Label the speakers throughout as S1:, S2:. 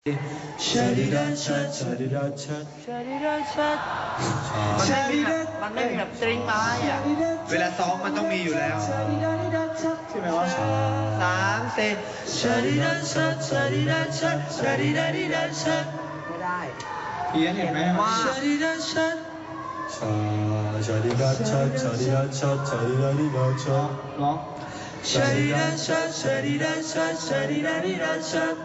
S1: ชาดิดาชัดชาดิดาชัดชาดิดาชัดมันไม่มีแบบสตริงไม้อะ
S2: เวลาซ้อมมันต้องมีอยู่แล้ว
S1: ใช่ไหมวะ3 4ชาดิดาชัดชาดิดาชัดชาดิดาดิดาชัด
S3: ไม่ได้
S1: เพี้ยนเห็นไหมชาดิดาชัดชาดิดาชัดชาดิดาชัดชาดิดาดิดาชัดร้องชาดิดาชัดชาดิดาชัดชาดิดาดิดาชัด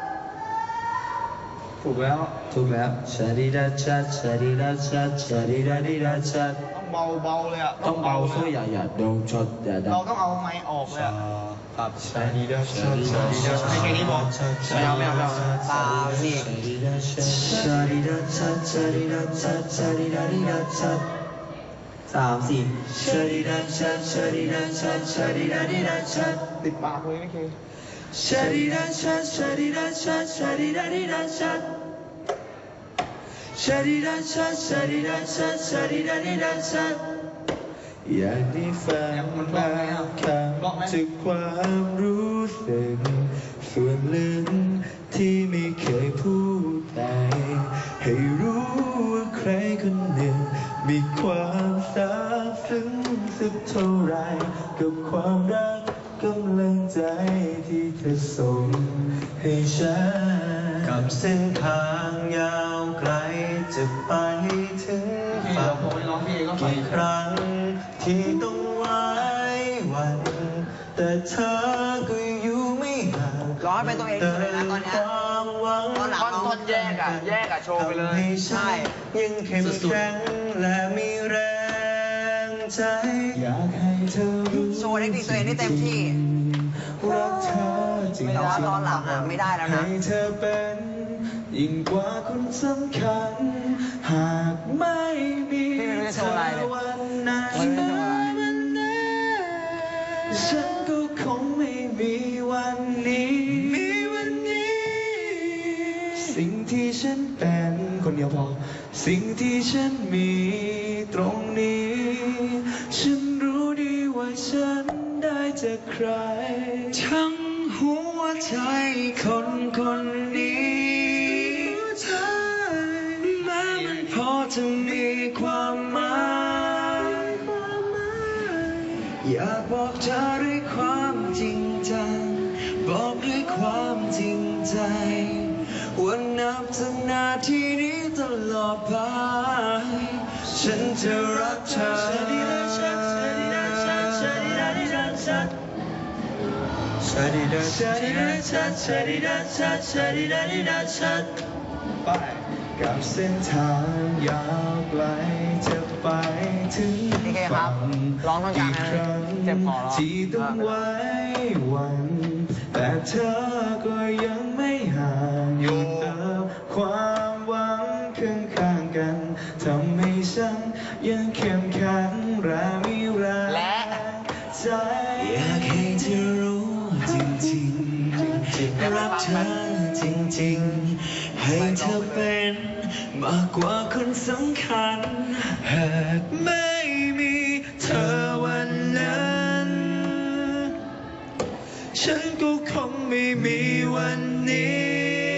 S1: ถูกแล้วชาดิดาชัดชาดิดาชัดชาดิดาดิดาชัด
S2: ต้องเบาเลยอ่ะ
S1: ต้องเบาช่วยอย่าโดนช็อตอย่าดัง
S2: เราต้องเอาไม้ออกเลย
S1: ครับชาดิดาชัดชาดิดาชัด
S2: ให้แค่นี้พอ
S3: ไม่เอาตานี่
S1: ชาดิดาชัดชาดิดาชัดชาดิดาดิดาชัด3 4ชาดิดาชัดชาดิดาชัดชาดิดาดิดาชัด
S2: ติดปากเลยไม่เคย
S1: ชาดิดาชัดชาดิดาชัดชาดิดาดิดาชัดชาดิดาชัดชาดิดาชัดชาดิดาดิดาชัดอยากได้ฟังบางคำจากความรู้สึกส่วนลึกที่ไม่เคยพูดไปให้รู้ว่าใครคนหนึ่งมีความซาบซึ้งสักเท่าไรกับความรักกำลังใจที่เธอส่งให้ฉันกับเส้นทางยาวไกลจะไปถึงฝั่งกี่ครั้งที่ต้องไว้วันแต่เธอก็อยู่ไม่ห่าง
S3: ร้อยเป็นตัวเองเลยนะตอนนี้ตอนหลังต้นแยกอะโชว์ไปเลย
S1: ใช่ยังเข้มแข็งและมีแรงใจอยากให้เธอรู้
S3: โชว์เทคนิคตัวเองได้เต็มที่
S1: รักเธอจริง
S3: แต่ว่าตอนหลังอะไม่ได้แล้วนะ
S1: ให้เธอเป็นยิ่งกว่าคนสำคัญหากไม่มีเธอวันนั้นฉันก็คงไม่มีวันนี้สิ่งที่ฉันเป็นคนเดียวพอสิ่งที่ฉันมีตรงนี้ฉันรู้ดีว่าฉันได้จากใครทั้งหัวใจคนนี้แม้มันพอจะมีความหมายอยากบอกเธอด้วยความจริงจังบอกด้วยความจริงใจว่านับจากนาทีนี้ตลอดไปฉันจะรักเธอชาดิดาชัดชาดิดาชัดชาดิดาดิดาชัดชาดิดาชัดชาดิดาชัดชาดิดาดิดาชัดไปกับเส้นทางยาวไกลจะไปถึงฝั่งอีกครั้งที่ต้องไว้วันแต่เธอก็ยังไม่ห่างอยู่กับความหวังข้างกันทำให้ฉันยังเข้มแข็งและมีแรงใจอยากให้เธอรู้จริงๆรักเธอจริงๆให้เธอเป็นมากกว่าคนสำคัญหากไม่มีเธอวันนั้นฉันก็คงไม่มีวันนี้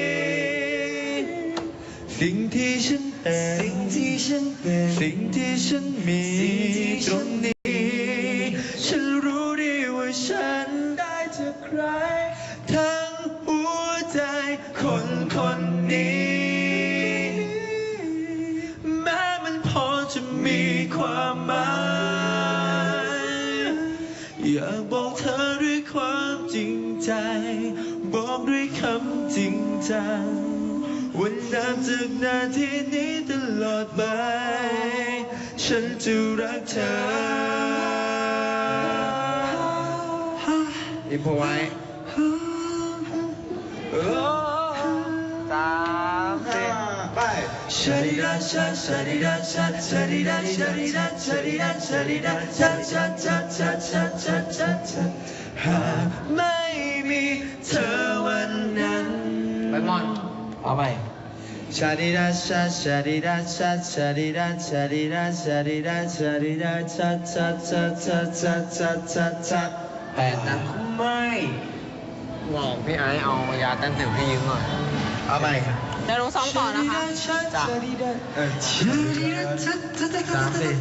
S1: สิ่งที่ฉันเป็นสิ่งที่ฉันมีตรงนี้ฉันรู้ดีว่าฉันได้จากใครทั้งหัวใจคนนี้แม้มันพอจะมีความหมายอยากบอกเธอด้วยความจริงใจบอกด้วยคำจริงจังวันนับจากนาทีนี้ตลอดไปฉันจะรักเธอ
S2: อินโฟไว้
S3: 3 4
S2: ไป
S1: ชาดิดาชัดชาดิดาชัดชาดิดาชาดิดาชาดิดาชาดิดาชัดชัดชัดชัดชัดชัดชัดชัดหากไม่มีเธอวันนั้น
S3: ไปมอนเอาไป
S1: ชาดิดาชัดชาดิดาชัดชาดิดาชาดิดาชาดิดาชาดิดาชัดชัดชัดชัดชัดชัดชัดชัด
S3: 8 นะ
S1: ไม่
S3: บอกพี่ไอซ์เอายาต้านสิวให้ยืมหน่อย
S2: เอาใหม่
S4: เดี๋ยวหนูซ้อมต่อนะคะ
S3: จ้ะ
S2: สามสี่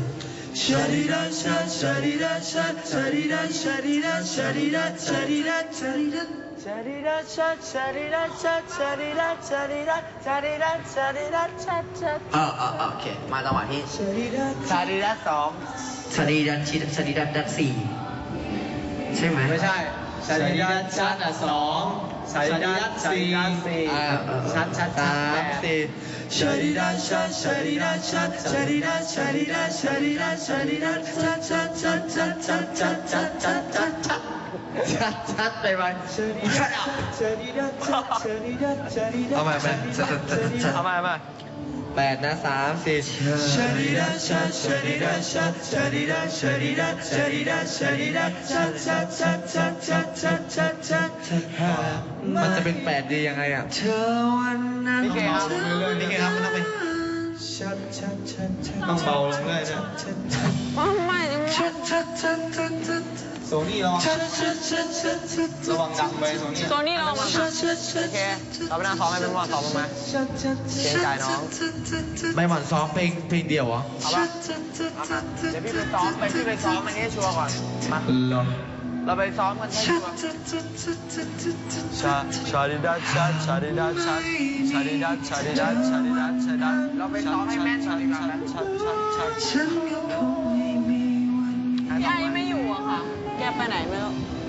S3: โอเค มาจังหวะที่ชาดีดัสสอง
S1: ชาดีดัดดัดสี่ใช่ไหม
S2: ไม่ใช่ชาดิดัสชัดสองชาดิดัสสี่ชัดสามสี่ชาดิดัสชัดชาดิดัสชัดชาดิดัสชาดิดัสชาดิดัสชาดิดัสชัดไปไหมเอาใหม่เอาใหม่แปดนะสามสี่ชาดิดัสชัดชาดิดัสชัดชาดิดัสชาดิดัสชาดิดัสชาดิดัสชัดมันจะเป็นแปดดียังไงอ่ะเธอวันนั้น
S3: นี่เคครับ
S2: นี่ไงครับมันต้องเป็นต้องเบาลงเลยนะ
S4: ไม่
S2: โซนี่ระวังดังไปโซนี่
S4: ตัวนี้เรามาค่ะ
S3: โอเคเราไปนั่งซ้อมให้เป็นว่าซ้อมบ้างไหมเกรงใจน้อง
S2: ไม่หมั่นซ้อมเพลงเดียวเหรอ
S3: เอาปะเอามาเดี๋ยวพี่ไปซ้อมอันนี้ชัวร์ก่อน มา เราไปซ้อมกันให้ชัวร์ชาดิดัสชัดชาดิดัสชัดชาดิดัสชาดิดัสชาดิดัสชาดิดัสเราไปซ้อมให้แม่นกันดีกว่านะชัด
S4: พี่ไอไม่อยู่อะค่ะ แกไปไหนไม่รู้